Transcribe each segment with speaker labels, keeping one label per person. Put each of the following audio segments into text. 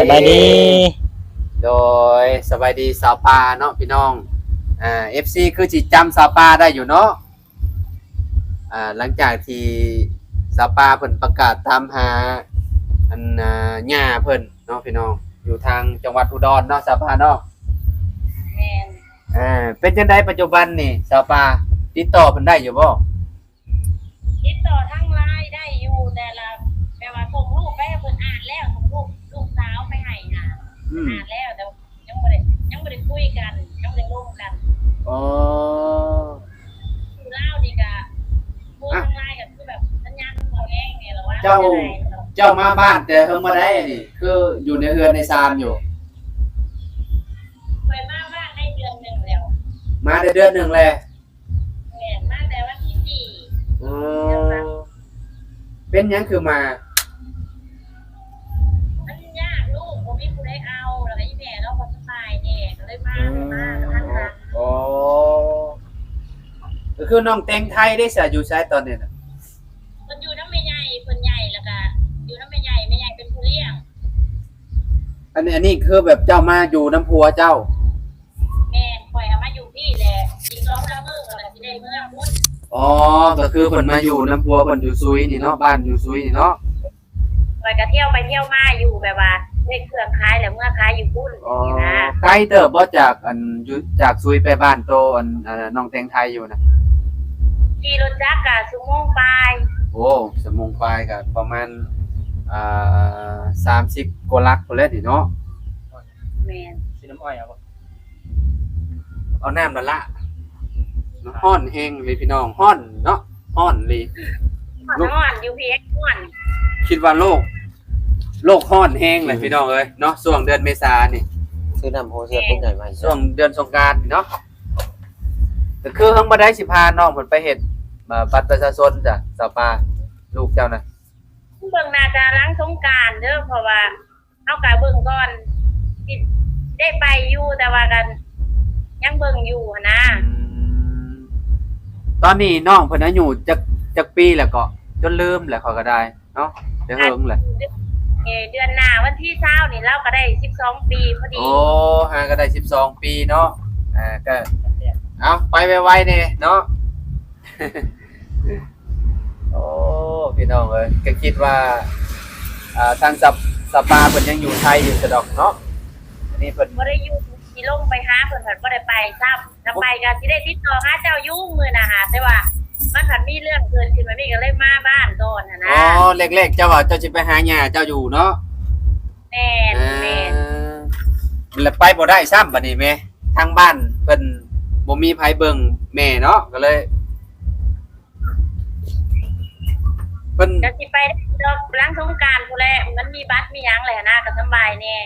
Speaker 1: บายดี
Speaker 2: โดยสบายดีสาวปาเนาะพี่น้องFC คือสิจำสาวปาได้อยู่เนาะหลังจากที่สาวปาเพิ่นประกาศตามหาอันย่าเพิ่นเนาะพี่น้องอยู่ทางจังหวัดอุดรเนาะสาวปาเนาะ
Speaker 3: แม่น
Speaker 2: เป็นจังได๋ปัจจุบันนี่สาวปาติดต่อเพิ่นได้อยู่บ่
Speaker 3: ติดต่อทางไลน์ได้อยู่แต่ว่าส่งรูปไปให้เพิ่นอ่านแล้วส่งลูกสาวไปให้อ่านแล้วแต่ยังบ่ได้คุยกันยังบ่ได้ลงกัน
Speaker 2: อ๋อ
Speaker 3: คือเล่านี่ก็พูดทางไลน์ก็คือแบบสัญญาณบ่แห้งนี่ล่ะว่า
Speaker 2: เจ้ามาบ้านแต่เพิ่งมาได้นี่คืออยู่ในเรือนในศาลอยู่
Speaker 3: ไปมาบ้านได้เดือนหนึงแล้ว
Speaker 2: มาได้เดือนหนึ่งแล้ว
Speaker 3: แม่นมาแต่วันที่4
Speaker 2: เป็นหยังคือมา
Speaker 3: มันยากลูกบ่มีผู้ใดเอาแล้วก็อีแม่เราบ่สบายแน่ก็เลยมาทันหัน
Speaker 2: อ๋อก็คือน้องแตงไทยได้เสียอยู่ใช้ตอนนี้น่ะ
Speaker 3: เพิ่นอยู่นำแม่ใหญ่เพิ่นใหญ่แล้วก็อยู่นำแม่ใหญ่เป็นผู้เลี้ยง
Speaker 2: อันนี้คือแบบเจ้ามาอยู่น้ำพัวเจ้า
Speaker 3: แม่ข่อยเอามาอยู่พี่แหละอีก2 มื้อก็สิได้เมื่อพุ่น
Speaker 2: อ๋อก็คือเพิ่นมาอยู่น้ำพัวเพิ่นอยู่ซุยนี่เนาะบ้านอยู่ซุยนี่เนาะ
Speaker 3: ข่อยก็เที่ยวไปเที่ยวมาอยู่แบบว่าเฮ็ดเครื่องขายแล้วเมื่อขายอยู่พุ่นนี่นะ
Speaker 2: ไกลเติบบ่จากอยู่จากซุยไปบ้านโตน้องแตงไทยอยู่นะ
Speaker 3: ขี่รถจักรก็ชั่วโมงปลาย
Speaker 2: โอ้ชั่วโมงปลายก็ประมาณ30กว่าลักพุ่นแหละนี่เนาะ
Speaker 3: แม่น
Speaker 1: สิน้ำอ้อยเอาบ่
Speaker 2: เอาน้ำละฮ้อนแห้งเลยพี่น้องฮ้อนเนาะฮ้อนเลย
Speaker 3: ฮ้อนอยู่พี่ฮ้อน
Speaker 2: คิดว่าโลกฮ้อนแห้งเลยพี่น้องเอ้ยเนาะช่วงเดือนเมษานี่
Speaker 1: ซื้อน้ำโฮเสื้อปุ๊บใหญ่มา
Speaker 2: ช่วงเดือนสงกรานต์เนาะก็คือเพิ่งบ่ได้สิพาน้องเพิ่นไปเฮ็ดบัตรประชาชนจ้ะสาวปาลูกเจ้านะ
Speaker 3: เบิ่งน่าจะหลังสงกรานต์เด้อเพราะว่าเฮาก็เบิ่งก่อนสิได้ไปอยู่แต่ว่ากันยังเบิ่งอยู่นะ
Speaker 2: ตอนนี้น้องเพิ่นอายุจักปีแล้วก็จนลืมแล้วเขาก็ได้เนาะเดี๋ยวเฮิงแหละ
Speaker 3: เดือนหน้าวันที่20นี่เราก็ได้12ปีพอดี
Speaker 2: โอ้ห่างก็ได้12ปีเนาะก็เอาไปไวๆนี่เนาะโอ้พี่น้องเอ้ยก็คิดว่าทางสปาเพิ่นยังอยู่ไทยอยู่ซะดอกเนาะอันนี้เพิ่น
Speaker 3: บ่ได้อยู่สิลงไปหาเพิ่นเพิ่นบ่ได้ไปซ้ำถ้าไปก็สิได้ติดต่อหาเจ้าอยู่มื้อน่ะหาแต่ว่ามันผันมีเรื่องเกิดขึ้นมามีก็เลยมาบ้านก่อนนะ
Speaker 2: อ๋อเล็กๆเจ้าว่าเจ้าสิไปหาย่าเจ้าอยู่เนาะ
Speaker 3: แม่น
Speaker 2: แล้วไปบ่ได้ซ้ำบัดนี้แม่ทางบ้านเพิ่นบ่มีไผเบิ่งแม่เนาะก็เลยเพิ่น
Speaker 3: ก็สิไปดอกหลังสงกรานต์พุ่นแหละมันมีบัตรมีหยังแหละนะก็สบายแน่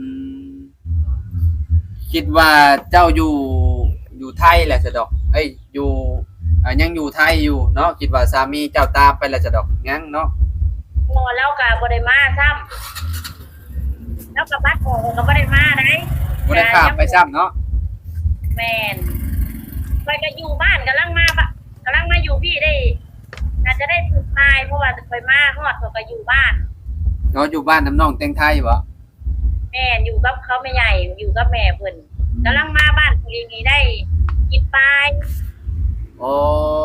Speaker 2: คิดว่าเจ้าอยู่ไทยแหละซะดอกเอ้ยอยู่ยังอยู่ไทยอยู่เนาะคิดว่าสามีเจ้าตามไปแล้วซะดอกยังเนาะ
Speaker 3: บ่เราก็บ่ได้มาซ้ำแล้วก็บัตรของก็บ่ได้มาได้
Speaker 2: บ่ได้ข้ามไปซ้ำเนาะ
Speaker 3: แม่นไปก็อยู่บ้านกำลังมาอยู่พี่ได้น่าจะได้สุดท้ายเพราะว่าไปมาฮอดก็อยู่บ้าน
Speaker 2: เนาะอยู่บ้านน้ำน้องแตงไทยบ่
Speaker 3: แม่อยู่กับเขาแม่ใหญ่อยู่กับแม่เพิ่นกำลังมาบ้านปีนี้ได้10 ปลาย
Speaker 2: โอ้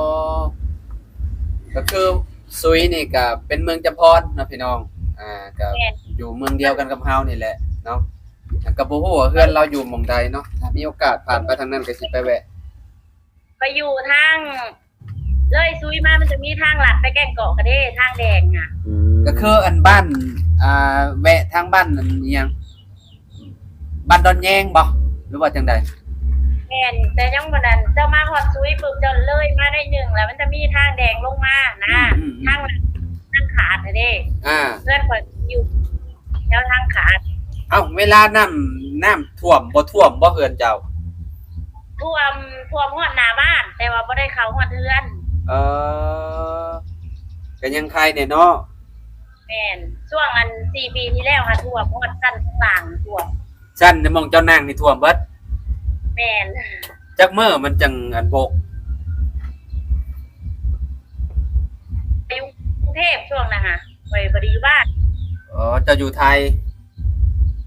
Speaker 2: ก็คือซุยนี่ก็เป็นเมืองจำพรนะพี่น้องก็อยู่เมืองเดียวกันกับเฮานี่แหละเนาะก็บ่ฮู้ว่าเฮือนเราอยู่หม่องใดเนาะถ้ามีโอกาสผ่านไปทางนั้นก็สิไปแวะ
Speaker 3: ไปอยู่ทางเลยซุยมามันจะมีทางลัดไปแก่งเกาะกระเด้ทางแดงอ่ะ
Speaker 2: ก็คืออันบ้านแวะทางบ้านอันอีหยังบ้านดอนแยงบ่หรือว่าจังได๋
Speaker 3: แม่นแต่ยังบ่นั้นเจ้ามาฮอดซุยปึ๊บเจ้าเลยมาได้1แล้วมันจะมีทางแดงลงมานะทางขาดเด้เพื่อนข่อยอยู่แถวทางขาด
Speaker 2: เวลาน้ำท่วมบ่ท่วมบ่เฮือนเจ้า
Speaker 3: ท่วมฮอดหน้าบ้านแต่ว่าบ่ได้เข้าฮอดเฮือน
Speaker 2: ก็ยังใครเนี่ยเนาะ
Speaker 3: แม่นช่วง4 ปีที่แล้วค่ะท่วมฮอดชั้นต่างท่วม
Speaker 2: ชั้นในหม่องเจ้านางนี่ท่วมเบิด
Speaker 3: แม่น
Speaker 2: จักมื้อมันจังบก
Speaker 3: อยู่กรุงเทพช่วงน่ะค่ะบ่ได้อยู่บ้าน
Speaker 2: เจ้าอยู่ไทย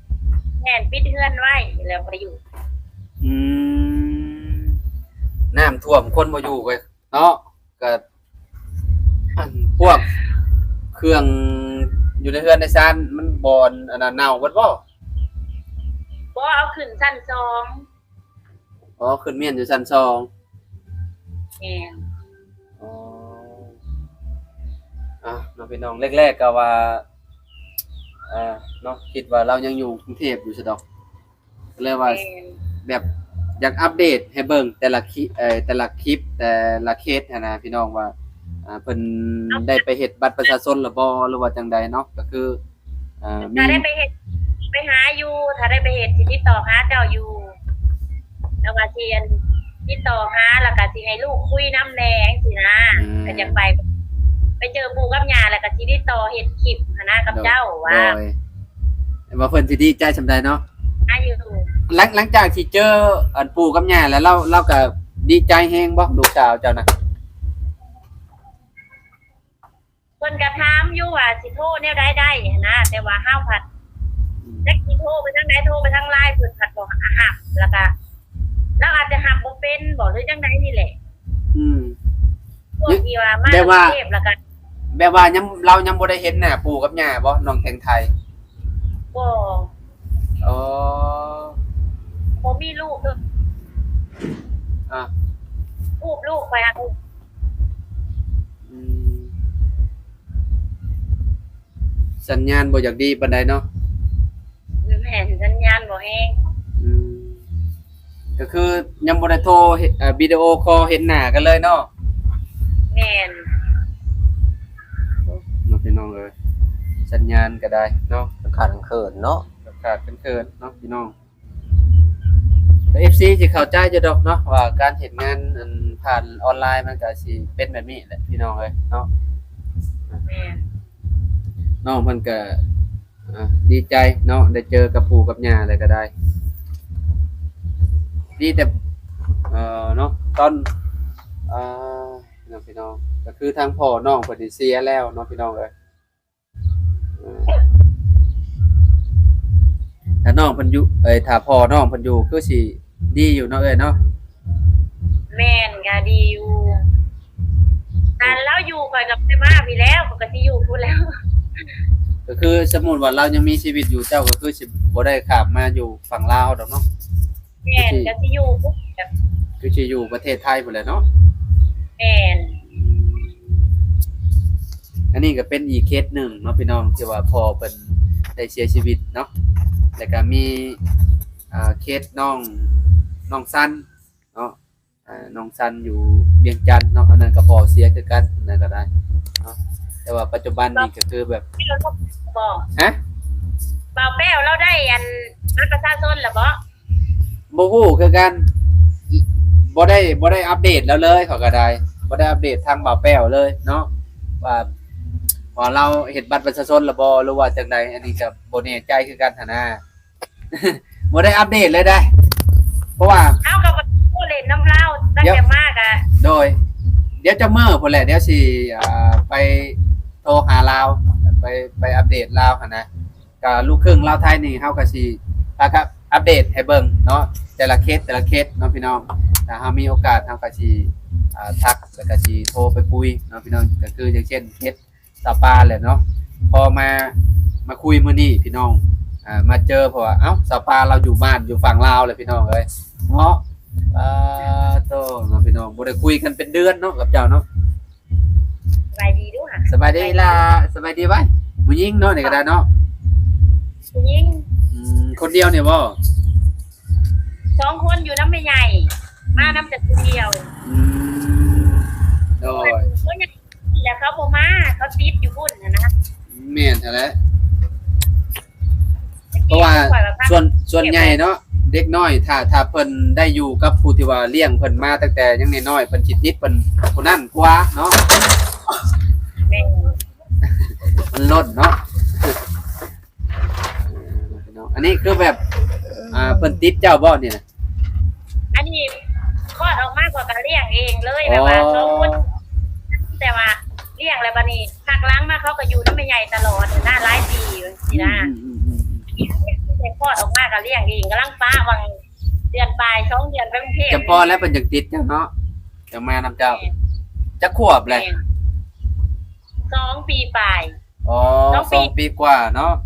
Speaker 3: ม่นปิดเฮือนไว้แล้วบ่ได้อยู่
Speaker 2: อืมน้ำท่วมคนบ่อยู่ไปเนาะก็อันพวกเครื่องอยู่ในเรือนในซานมันบอนอันนั้นเน่าเบิดบ่
Speaker 3: บ่เอาขึ้นชั้น2
Speaker 2: อ๋อขึ้นเมียนอยู่ชั้นสอง
Speaker 3: แม่น
Speaker 2: อ๋อน้องพี่น้องแรกๆก็ว่าเนาะคิดว่าเรายังอยู่กรุงเทพอยู่ซะดอกก็เลยว่า
Speaker 3: แม่น
Speaker 2: แบบอยากอัปเดตให้เบิ่งแต่ละคลิปแต่ละคลิปแต่ละเคสหั้นนะพี่น้องว่าเพิ่นได้ไปเฮ็ดบัตรประชาชนหรือบ่หรือว่าจังใดเนาะก็คือมี
Speaker 3: ถ้าได้ไปเฮ็ดไปหาอยู่ถ้าได้ไปเฮ็ดสิติดต่อหาเจ้าอยู่แล้วก็สิอันติดต่อหาแล้วก็สิให้ลูกคุยนำแหน่จังซี่นะก็จะไปเจอปู่กับย่าแล้วก็สิติดต่อเฮ็ดคลิปหั้นนะกับเจ้าว่า
Speaker 2: โดยว่าเพิ่นสิดีใจซำใดเนาะ
Speaker 3: หาอยู่
Speaker 2: หลังจากที่เจออันปู่กับย่าแล้วเราก็ดีใจแฮงบ่ลูกสาวเจ้านะ
Speaker 3: เพิ่นก็ถามอยู่ว่าสิโทรแนวใดได้นะแต่ว่าห้าวผัดจักสิโทรไปทางใดโทรไปทางไลน์เพิ่นผัดบ่หับแล้วก็แล้วอาจจะหับบ่เป็นบ่หรือจังใดนี่แหละ
Speaker 2: อืม
Speaker 3: พวกที่ว่ามา
Speaker 2: แบบว่า
Speaker 3: กรุงเทพแล้วก็
Speaker 2: แบบว่ายังเรายังบ่ได้เห็นหน้าปู่กับย่าบ่น้องแตงไทย
Speaker 3: บ่
Speaker 2: อ๋อ
Speaker 3: บ่มีลูกเด้อ
Speaker 2: อ่ะ
Speaker 3: ลูกไปหา
Speaker 2: อืมสัญญาณบ่อยากดีปานใดเนาะ
Speaker 3: แม่นสัญญาณบ่แฮง
Speaker 2: อืมก็คือยังบ่ได้โทรวิดีโอคอลเห็นหน้ากันเลยเนาะ
Speaker 3: แม่น
Speaker 2: เนาะพี่น้องเอ้ยสัญญาณก็ได้เนาะ
Speaker 1: ขาดเขินเนาะ
Speaker 2: ขาดเคินๆเนาะพี่น้องแต่ FC สิเข้าใจอยู่ดอกเนาะว่าการเฮ็ดงานอันผ่านออนไลน์มันก็สิเป็นแบบนี้แหละพี่น้องเอ้ยเนาะ
Speaker 3: แม่น
Speaker 2: น้องเพิ่นก็ดีใจเนาะได้เจอกับปู่กับย่าอะไรก็ได้ดีแต่เนาะตอนน้องพี่น้องก็คือทางพ่อน้องเพิ่นสิเสียแล้วเนาะพี่น้องเอ้ยถ้าน้องเพิ่นอยู่ถ้าพ่อน้องเพิ่นอยู่คือสิดีอยู่เนาะเอ้ยเนาะ
Speaker 3: แม่นก็ดีอยู่แต่เราอยู่ข่อยกับไปมาพี่แล้วข่อยก็สิอยู่พู้นแล้ว
Speaker 2: ก็คือสมมุติว่าเรายังมีชีวิตอยู่เจ้าก็คือสิบ่ได้ข้ามมาอยู่ฝั่งลาวดอกเนาะ
Speaker 3: แม่นก็สิอยู่ปุ๊บแบบ
Speaker 2: คือสิอยู่ประเทศไทยพุ่นแหละเนาะ
Speaker 3: แม่น
Speaker 2: อันนี้ก็เป็นอีกเคสหนึ่งเนาะพี่น้องที่ว่าพ่อเป็นได้เสียชีวิตเนาะแล้วก็มีเคสน้องซันเนาะน้องซันอยู่เวียงจันทน์เนาะอันนั้นก็พ่อเสียคือกันอันนั้นก็ได้เนาะแต่ว่าปัจจุบันนี่ก็คือแบบ
Speaker 3: ที่เราบอก
Speaker 2: ฮะ
Speaker 3: บ่าวแป้วเราได้อันบัตรประชาชนแล้วบ่
Speaker 2: บ่ฮู้คือกันบ่ได้อัปเดตแล้วเลยเขาก็ได้บ่ได้อัปเดตทางบ่าวแป้วเลยเนาะว่าเราเฮ็ดบัตรประชาชนแล้วบ่หรือว่าจังใดอันนี้ก็บ่แน่ใจคือกันหั่นนะ บ่ได้อัปเดตเลยได้ เพราะว่า
Speaker 3: เอากับผู้เล่นน้ำเล่าตั้งแต่มากอ่ะ
Speaker 2: โดย เดี๋ยวจะเมื่อพุ่นแหละเดี๋ยวสิไปโทรหาลาวไปอัปเดตลาวหั่นนะก็ลูกครึ่งลาวไทยนี่เฮาก็สิครับอัปเดตให้เบิ่งเนาะแต่ละเคสเนาะพี่น้องถ้าเฮามีโอกาสเฮาก็สิทักแล้วก็สิโทรไปคุยเนาะพี่น้องก็คืออย่างเช่นเคสสปาแหละเนาะพอมาคุยมื้อนี้พี่น้องมาเจอเพราะว่าเอ้าสปาเราอยู่บ้านอยู่ฝั่งลาวเลยพี่น้องเอ้ยเนาะโตเนาะพี่น้องบ่ได้คุยกันเป็นเดือนเนาะกับเจ้าเนาะ
Speaker 3: สบายดีด้วยค่ะ
Speaker 2: สบายดีล่ะสบายดีไว้ผู้หญิงเนาะนี่ก็ได้เนาะ
Speaker 3: ผู้หญิง
Speaker 2: คนเดียวเนี่ยบ่
Speaker 3: 2 คนอยู่น้ำไม่ใหญ่ มาน้ำแต่คนเดียว
Speaker 2: โดย
Speaker 3: ก็ยังแล้วเขาบ่มาเขาติดอยู่พุ่นนะ
Speaker 2: แม่นแท้แล้วเพราะว่าส่วนใหญ่เนาะเด็กน้อยถ้าเพิ่นได้อยู่กับผู้ที่ว่าเลี้ยงเพิ่นมาตั้งแต่ยังน้อยๆเพิ่นสิติดเพิ่นผู้นั้นกว่าเนาะ
Speaker 3: แม่
Speaker 2: มันลดเนาะอันนี้คือแบบเพิ่นติดเจ้าบ่นี่นะ
Speaker 3: อันนี้คลอดออกมากกว่าการเลี้ยงเองเลยแบบว่าเขาพูดแต่ว่าเลี้ยงอะไรบ้านี้หักล้างมาเขาก็อยู่น้ำไม่ใหญ่ตลอดหน้าหลายปีสินะแต่คลอดออกมาก็เลี้ยงเองกำลังป้าวังเดือนปลาย2 เดือนไปกรุงเทพ
Speaker 2: จะพอแล้วเพิ่นจังติดเจ้าเนาะจังมานำเจ้าจักขวบเลย
Speaker 3: 2 ปีปลาย
Speaker 2: อ๋อ
Speaker 3: 2 ปี
Speaker 2: 2 ปีกว่าเนาะ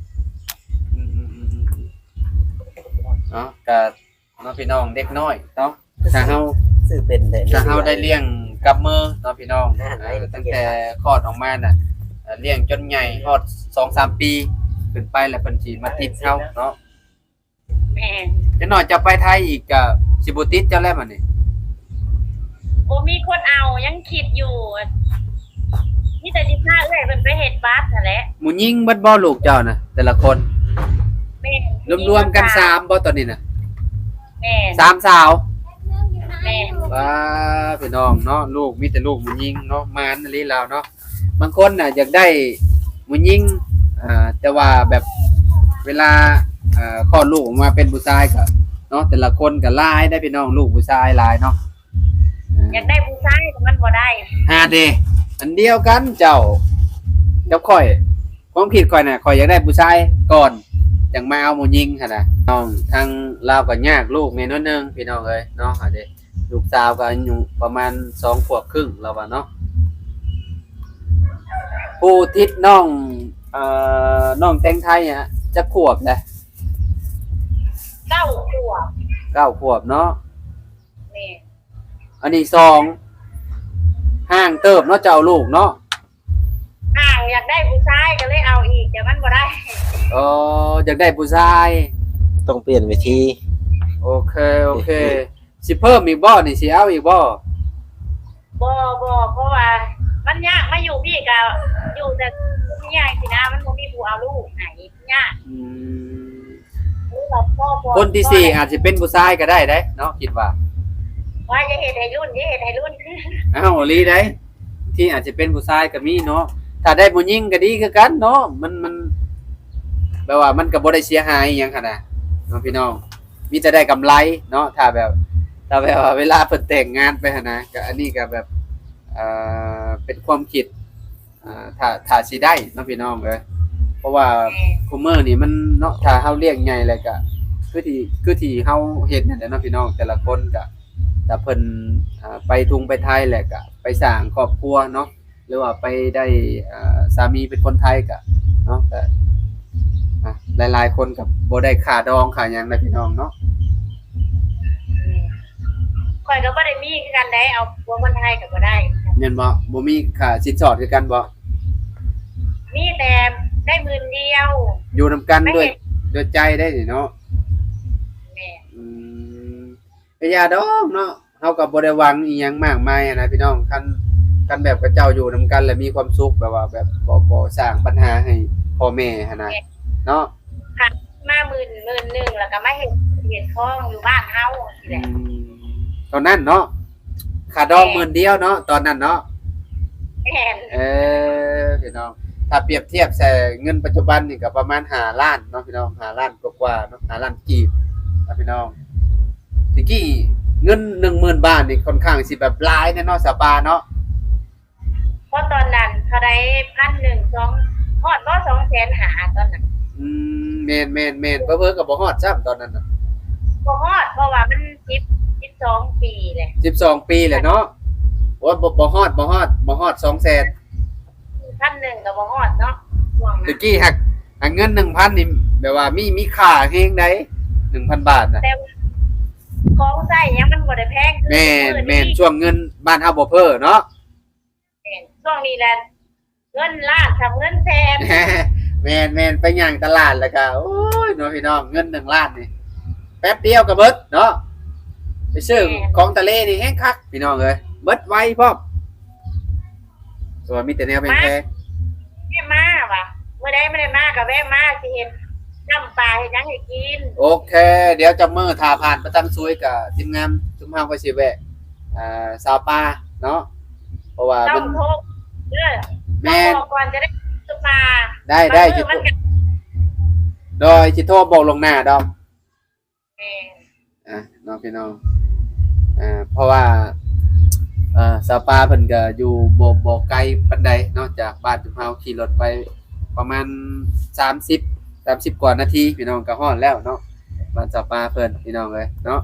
Speaker 2: เนาะก็เนาะพี่น้องเด็กน้อยเนาะถ้าเฮา
Speaker 1: ซื้อเป็นได้
Speaker 2: ถ้าเฮาได้เลี้ยงกับมือเนาะพี่น้องตั้งแต่คลอดออกมาน่ะเลี้ยงจนใหญ่ฮอด 2-3 ปีขึ้นไปแล้วเพิ่นสิมาติดเฮาเนาะ
Speaker 3: แม่น
Speaker 2: จังน้อยจะไปไทยอีกก็สิบ่ติดเจ้าแล้วบัดนี้
Speaker 3: บ่มีคนเอายังคิดอยู่มีแต่สิพาเอ้อยเพิ่นไปเฮ็ดบัตรนั่นแหละ
Speaker 2: หมู่ยิงเบิดบ่ลูกเจ้าน่ะแต่ละคน
Speaker 3: แม่น
Speaker 2: รวมๆกัน3บ่ตอนนี้น่ะ
Speaker 3: แม่น
Speaker 2: 3สาว
Speaker 3: แม่น
Speaker 2: ว้าพี่น้องเนาะลูกมีแต่ลูกหมู่ยิงเนาะมานลีลาวเนาะบางคนน่ะอยากได้หมู่ยิงแต่ว่าแบบเวลาคลอดลูกออกมาเป็นผู้ชายก็เนาะแต่ละคนก็หลายได้พี่น้องลูกผู้ชายหลายเนาะ
Speaker 3: อยากได้ผู้ชายแต่มันบ่ได้
Speaker 2: เดอันเดียวกันเจ้าข่อยความคิดข่อยน่ะข่อยอยากได้ผู้ชายก่อนจังมาเอาหมู่ยิงหั่นน่ะน้องทางลาวก็ยากลูกแม่น้อยนึงพี่น้องเอ้ยเนาะเด้ลูกสาวก็อายุประมาณ2 ขวบครึ่งแล้วว่าเนาะผู้ทิศน้องน้องแตงไทยอ่ะจะขวบแหละ
Speaker 3: 9 ขวบ
Speaker 2: 9 ขวบเนาะ
Speaker 3: แม่น
Speaker 2: อันนี้2ห่างเติบเนาะเจ้าลูกเนาะ
Speaker 3: อยากได้ผู้ชายก็เลยเอาอีกแต่มันบ่ได้
Speaker 2: อยากได้ผู้ชาย
Speaker 1: ต้องเปลี่ยนวิธี
Speaker 2: โอเคสิเพิ่มอีกบ่นี่สิเอาอีกบ่
Speaker 3: บ่เพราะว่ามันยากมาอยู่พี่ก็อยู่แต่ยากสินะมันบ่มีผู้เอาลูกไหนยาก
Speaker 2: อืม
Speaker 3: หรือว่าพ่อบ่
Speaker 2: คนที่สี่อาจจะเป็นผู้ชายก็ได้เด้เนาะคิดว่า
Speaker 3: ว่าจะเฮ็ดให้รุ่น
Speaker 2: อ้าวลีได้ที่อาจจะเป็นผู้ชายก็มีเนาะถ้าได้ผู้หญิงก็ดีคือกันเนาะมันแปลว่ามันก็บ่ได้เสียหายอิหยังคั่นน่ะเนาะพี่น้องมีแต่ได้กำไรเนาะถ้าแบบว่าเวลาเพิ่นแต่งงานไปหั่นนะก็อันนี้ก็แบบเป็นความคิดถ้าสิได้เนาะพี่น้องเอ้ยเพราะว่าคุมื้อนี่มันเนาะถ้าเฮาเลี้ยงใหญ่แล้วก็คือที่เฮาเฮ็ดนั่นแหละเนาะพี่น้องแต่ละคนก็ถ้าเพิ่นไปทุงไปไทยแหละก็ไปสร้างครอบครัวเนาะหรือว่าไปได้สามีเป็นคนไทยก็เนาะก็หลายๆคนก็บ่ได้ค่าดองค่าหยังนะพี่น้องเนาะ
Speaker 3: ข่อยก็บ่ได้มีคือกันได้เอาผัวคนไทยก็บ่ได้
Speaker 2: แม่นบ่มีค่าสินสอดคือกันบ่
Speaker 3: มีแต่ได้หมื่นเดียว
Speaker 2: อยู่นํกันด้วยใจได้นี่เนาะ
Speaker 3: แม่
Speaker 2: ก็อย่าดอกเนาะเฮาก็บ่ได้หวังอีหยังมากมายอะนะพี่น้องคันแบบกับเจ้าอยู่นํกันแล้วมีความสุขแบบว่าแบบบ่สร้างปัญหาให้พ่อแม่หั่นน่ะเนาะ
Speaker 3: ค่ะมาหมื่นหนึ่งแล้วก็มาเฮ็ดคองอยู่บ้านเฮาสิแหละ
Speaker 2: ตอนนั้นเนาะค่าดอง10,000เดียวเนาะตอนนั้นเนาะ
Speaker 3: แม่น
Speaker 2: พี่น้องถ้าเปรียบเทียบใส่เงินปัจจุบันนี่ก็ประมาณ5ล้านเนาะพี่น้อง5ล้านกว่าๆเนาะ5ล้านกีบนะพี่น้องตะกี้เงิน 10,000 บาทนี่ค่อนข้างสิแบบหลายแน่เนาะสปาเนาะ
Speaker 3: เพราะตอนนั้นเขาได้1,100 2ฮอดบ่200,000หาตอนนั้น
Speaker 2: แม่นเพิ่นก็บ่ฮอดซ้ำตอนนั้นน่ะ
Speaker 3: บ่ฮอดเพราะว่ามัน12 ปีแหละ
Speaker 2: 12 ปีแหละเนาะโอ้ยบ่ฮอด200,000
Speaker 3: 1,100ก็บ่ฮอดเนาะช่วง
Speaker 2: ตะ
Speaker 3: นั้น
Speaker 2: กี้หักเงิน 1,000 นี่แบบว่ามีค่าแฮงใด 1,000 บาทน่ะ
Speaker 3: แต่ของใช้ยังมันบ่ได้แพงคือ
Speaker 2: แม่นช่วงเงินบ้านเฮาบ่เพ้อเนาะ
Speaker 3: แม่นช่วงนี้แหละเงินล้านกับเงินแสน
Speaker 2: แม่นไปย่างตลาดแล้วก็โอ้ยเนาะพี่น้องเงิน1ล้านนี่แป๊บเดียวก็เบิดเนาะไปซื้อของทะเลนี่แฮงคักพี่น้องเอ้ยเบิดไวพร้อมส่วนมีแต่แนวแพง
Speaker 3: แม่มาว่ะเมื่อใดไม่ได้มาก็แวะมาสิเฮ็ดน้ำปลาเฮ็ดหยังให้กิน
Speaker 2: ๆโอเค เดี๋ยวจะมื้อถ้าผ่านประตังซวยกับทีมงานชุมเฮาก็สิแวะสาวปลาเนาะเพราะว่า
Speaker 3: ต้
Speaker 2: มั
Speaker 3: อน งโทรเด้อ
Speaker 2: แม่น
Speaker 3: ต้องบอกก่อนจะได้ซื้อปลา
Speaker 2: ได้
Speaker 3: สิ
Speaker 2: สิโดยสิโทรบอกลวงหน้าดอม น้องพี่น้องเพราะว่าสาวปลาเพิ่นก็อยู่บ่ไกลปานใดเนาะจากบ้านจุมเฮาขี่รถไปประมาณ30 30กว่านาทีพี่น้องก็ฮอดแล้วเนาะบ้านสาวปลาเพิ่นพี่น้องเอ้ยเนาะ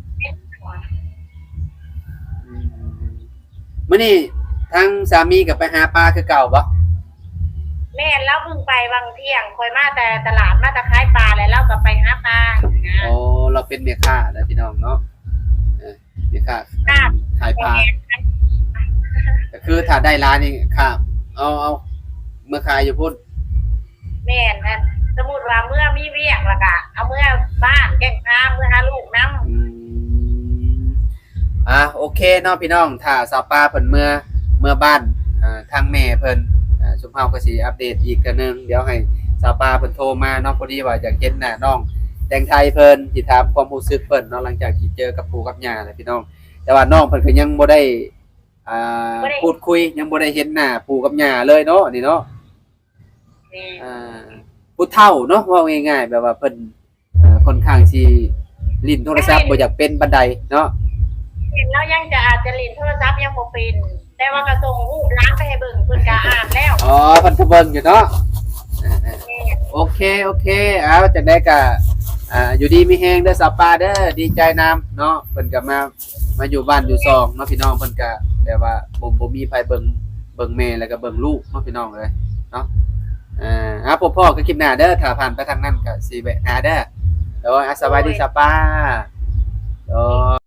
Speaker 2: มื้อนี้ทางสามีก็ไปหาปลาคือเก่าบ่
Speaker 3: แม่เราเพิ่งไปบางเที่ยงคอยมาแต่ตลาดมาตะขายปลาแล้วเราก็ไปหาปลานะ
Speaker 2: อ๋อเราเป็นแม่ค้าแล้วพี่น้องเนาะแม่ค้าขายปลาก็คือถ้าได้ร้านนี่ค่ะเอาเมื่อขายอยู่พุ่น
Speaker 3: แม่นนะสมมุติว่าเมื่อมีเวียกแล้วก็เอาเมื่อบ้านแกล้งพาเมื่อหาลูกนำ
Speaker 2: โอเคเนาะพี่น้องถ้าสาวปลาเพิ่นเมื่อบ้านทางแม่เพิ่นสุภาพก็สิอัปเดตอีกเทื่อนึงเดี๋ยวให้สาวปลาเพิ่นโทรมาเนาะพอดีว่าอยากเห็นหน้าน้องแตงไทยเพิ่นสิถามความรู้สึกเพิ่นเนาะหลังจากที่เจอกับปู่กับย่าแหละพี่น้องแต่ว่าน้องเพิ่นก็ยังบ่ได้พูดคุยยังบ่ได้เห็นหน้าปู่กับย่าเลยเนาะนี่เนาะผู้เฒ่าเนาะว่าง่ายๆแบบว่าเพิ่นค่อนข้างสิลิ้นโทรศัพท์บ่อยากเป็นปานใดเนาะ
Speaker 3: เห็นแล้วยังจะอาจจะเล่นโทรศัพท์ยังบ่เป็นแต่ว่ากระส่งรูปล้างไปให้เบิ่งเพิ่นก็อ่านแล้ว
Speaker 2: อ๋อเพิ่นก็เบิ่งอยู่เนาะโอเคเอาจังได๋ก็อยู่ดีมีแฮงเด้อสาวปลาเด้อดีใจนำเนาะเพิ่นก็มาอยู่บ้านอยู่ซองเนาะพี่น้องเพิ่นก็แบบว่าบ่มีไผเบิ่งแม่แล้วก็เบิ่งลูกเนาะพี่น้องเอ้ยเนาะพ่อก็คลิปหน้าเด้อถ้าผ่านไปทางนั้นก็สิแวะหาเด้อโดยสวัสดีสาวปลาโดย